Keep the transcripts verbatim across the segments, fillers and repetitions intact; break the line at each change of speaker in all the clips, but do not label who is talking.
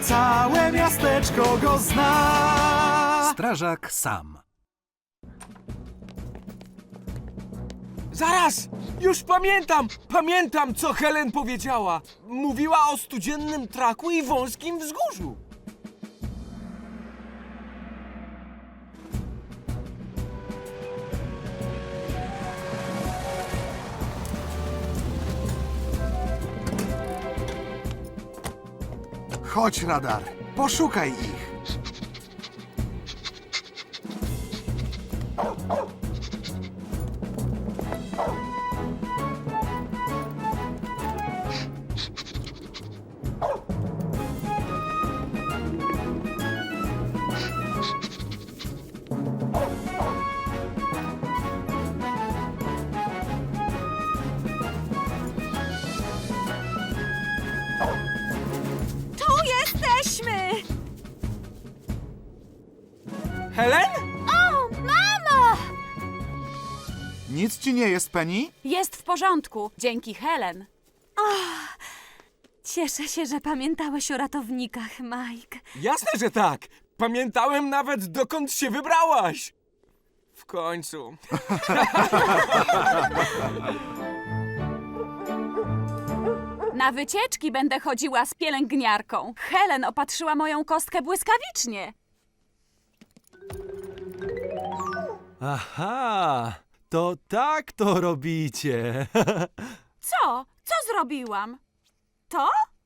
całe miasteczko go zna.
Strażak Sam.
Zaraz! Już pamiętam! Pamiętam, co Helen powiedziała! Mówiła o studziennym traku i wąskim wzgórzu.
Chodź, radar, poszukaj ich.
Tu jesteśmy!
Helen?
O, mamo!
Nic ci nie jest, Penny?
Jest w porządku, dzięki Helen.
Cieszę się, że pamiętałeś o ratownikach, Mike.
Jasne, że tak! Pamiętałem nawet, dokąd się wybrałaś! W końcu.
Na wycieczki będę chodziła z pielęgniarką. Helen opatrzyła moją kostkę błyskawicznie.
Aha, to tak to robicie.
Co? Co zrobiłam? To?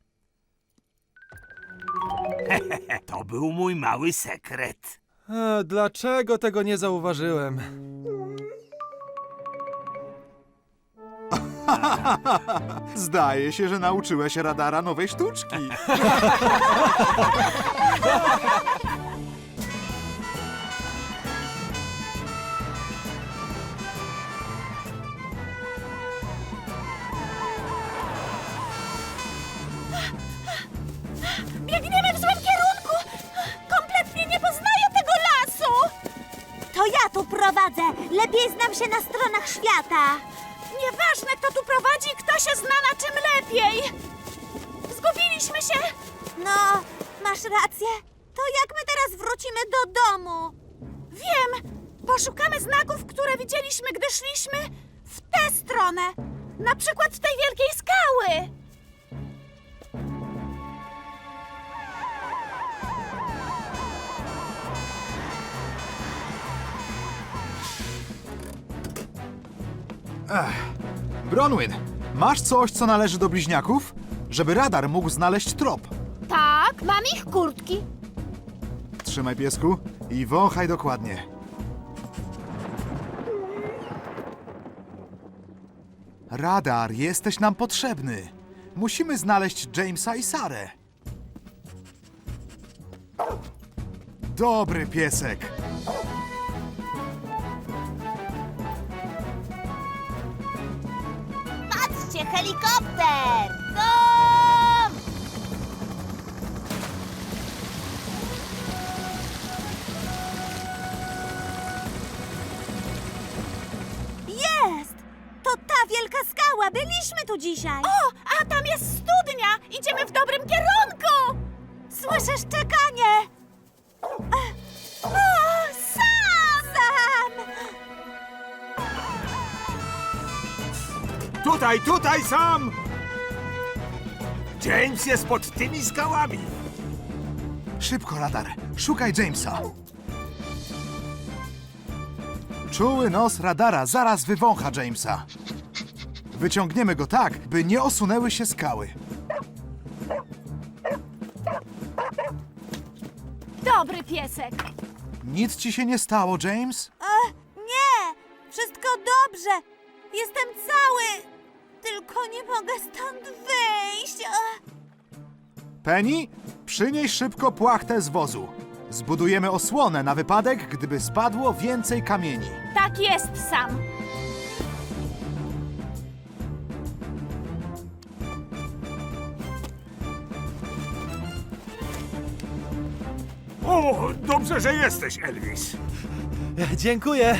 To był mój mały sekret.
A, dlaczego tego nie zauważyłem?
Zdaje się, że nauczyłeś radara nowej sztuczki.
Biegniemy w złym kierunku! Kompletnie nie poznaję tego lasu! To ja tu prowadzę! Lepiej znam się na stronach świata! Nieważne, kto tu prowadzi, kto się zna na czym lepiej! Zgubiliśmy się! No, masz rację. To jak my teraz wrócimy do domu? Wiem! Poszukamy znaków, które widzieliśmy, gdy szliśmy w tę stronę. Na przykład tej wielkiej skały.
Bronwyn, masz coś, co należy do bliźniaków? Żeby radar mógł znaleźć trop.
Tak, mam ich kurtki.
Trzymaj, piesku, i wąchaj dokładnie. Radar, jesteś nam potrzebny. Musimy znaleźć Jamesa i Sarę. Dobry piesek.
Patrzcie, helikopter! Tom! Jest! To ta wielka skała! Byliśmy tu dzisiaj! O, a tam jest studnia! Idziemy w dobrym kierunku! Słyszę szczekanie! O, Sam! Sam!
Tutaj, tutaj sam! James jest pod tymi skałami.
Szybko, radar, szukaj Jamesa. Czuły nos radara zaraz wywącha Jamesa. Wyciągniemy go tak, by nie osunęły się skały.
Dobry piesek!
Nic ci się nie stało, James?
E, nie! Wszystko dobrze! Jestem cały! Tylko nie mogę stąd wyjść! E.
Penny, przynieś szybko płachtę z wozu. Zbudujemy osłonę na wypadek, gdyby spadło więcej kamieni.
Tak jest, Sam.
O, dobrze, że jesteś, Elvis.
Dziękuję.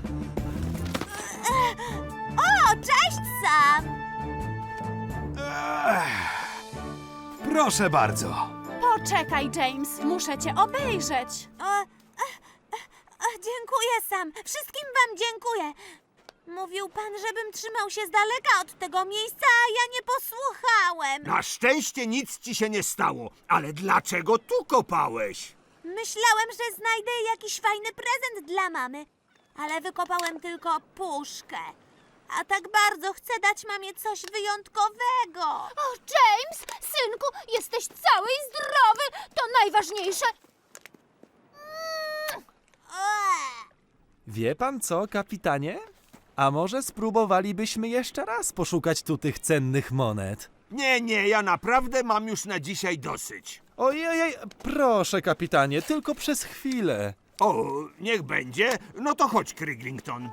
O, cześć Sam!
Proszę bardzo.
Poczekaj, James, muszę cię obejrzeć.
O, e, e, e, dziękuję, Sam. Wszystkim wam dziękuję. Mówił pan, żebym trzymał się z daleka od tego miejsca, a ja nie posłuchałem.
Na szczęście nic ci się nie stało, ale dlaczego tu kopałeś?
Myślałem, że znajdę jakiś fajny prezent dla mamy, ale wykopałem tylko puszkę. A tak bardzo chcę dać mamie coś wyjątkowego.
O, James, synku, jesteś cały i zdrowy. To najważniejsze.
Eee.
Wie pan co, kapitanie? A może spróbowalibyśmy jeszcze raz poszukać tu tych cennych monet?
Nie, nie, ja naprawdę mam już na dzisiaj dosyć.
Ojej, proszę, kapitanie, tylko przez chwilę.
O, niech będzie. No to chodź, Criglington.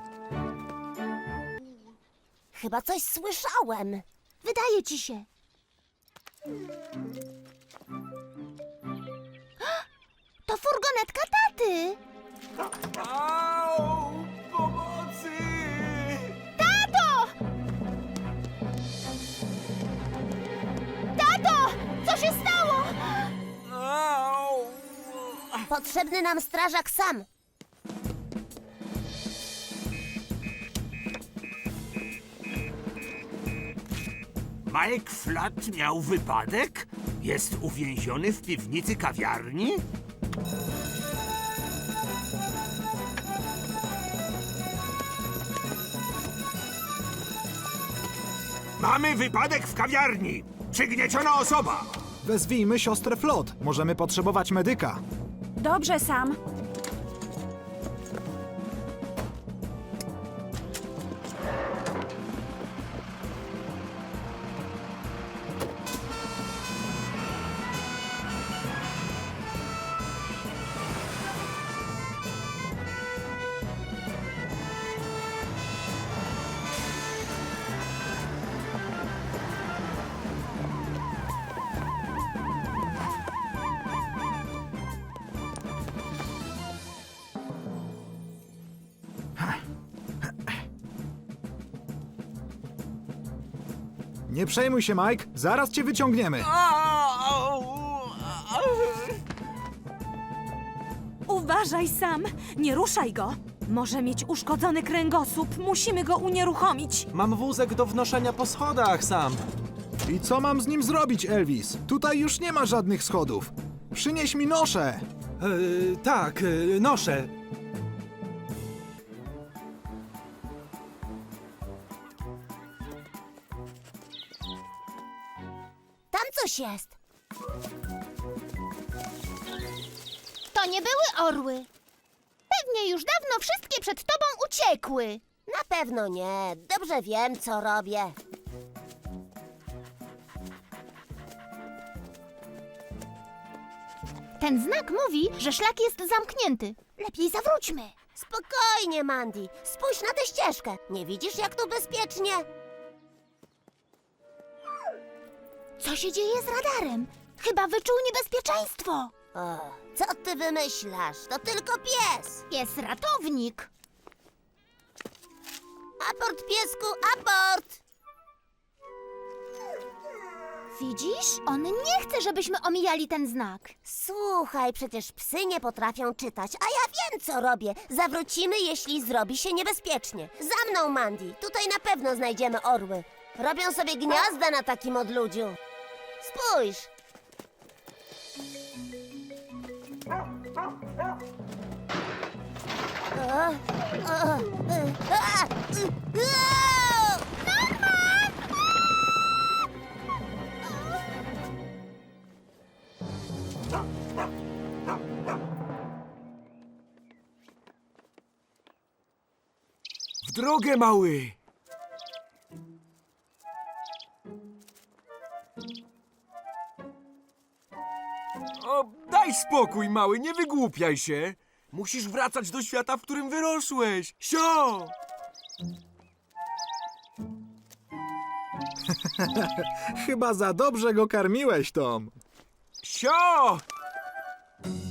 Chyba coś słyszałem. Wydaje ci się. To furgonetka taty.
Au! Pomocy!
Tato! Tato! Co się stało?
Au!
Potrzebny nam strażak Sam.
Mike Flat miał wypadek? Jest uwięziony w piwnicy kawiarni? Mamy wypadek w kawiarni! Przygnieciona osoba!
Wezwijmy siostrę Flot. Możemy potrzebować medyka.
Dobrze, Sam.
Nie przejmuj się, Mike. Zaraz cię wyciągniemy.
Au!
Uważaj, Sam. Nie ruszaj go. Może mieć uszkodzony kręgosłup. Musimy go unieruchomić.
Mam wózek do wnoszenia po schodach, Sam.
I co mam z nim zrobić, Elvis? Tutaj już nie ma żadnych schodów. Przynieś mi noszę.
E, tak, e, noszę.
Tam coś jest. To nie były orły. Pewnie już dawno wszystkie przed tobą uciekły. Na pewno nie. Dobrze wiem, co robię. Ten znak mówi, że szlak jest zamknięty. Lepiej zawróćmy. Spokojnie, Mandy. Spójrz na tę ścieżkę. Nie widzisz, jak tu bezpiecznie? Co się dzieje z radarem? Chyba wyczuł niebezpieczeństwo. O, co ty wymyślasz? To tylko pies. Pies ratownik. Aport, piesku, aport! Widzisz? On nie chce, żebyśmy omijali ten znak. Słuchaj, przecież psy nie potrafią czytać, a ja wiem, co robię. Zawrócimy, jeśli zrobi się niebezpiecznie. Za mną, Mandy. Tutaj na pewno znajdziemy orły. Robią sobie gniazda na takim odludziu. Spójrz. O, o, y, a, y, o!
W drogę, mały! O, daj spokój, mały, nie wygłupiaj się. Musisz wracać do świata, w którym wyrosłeś. Sio!
Chyba za dobrze go karmiłeś, Tom.
Sio!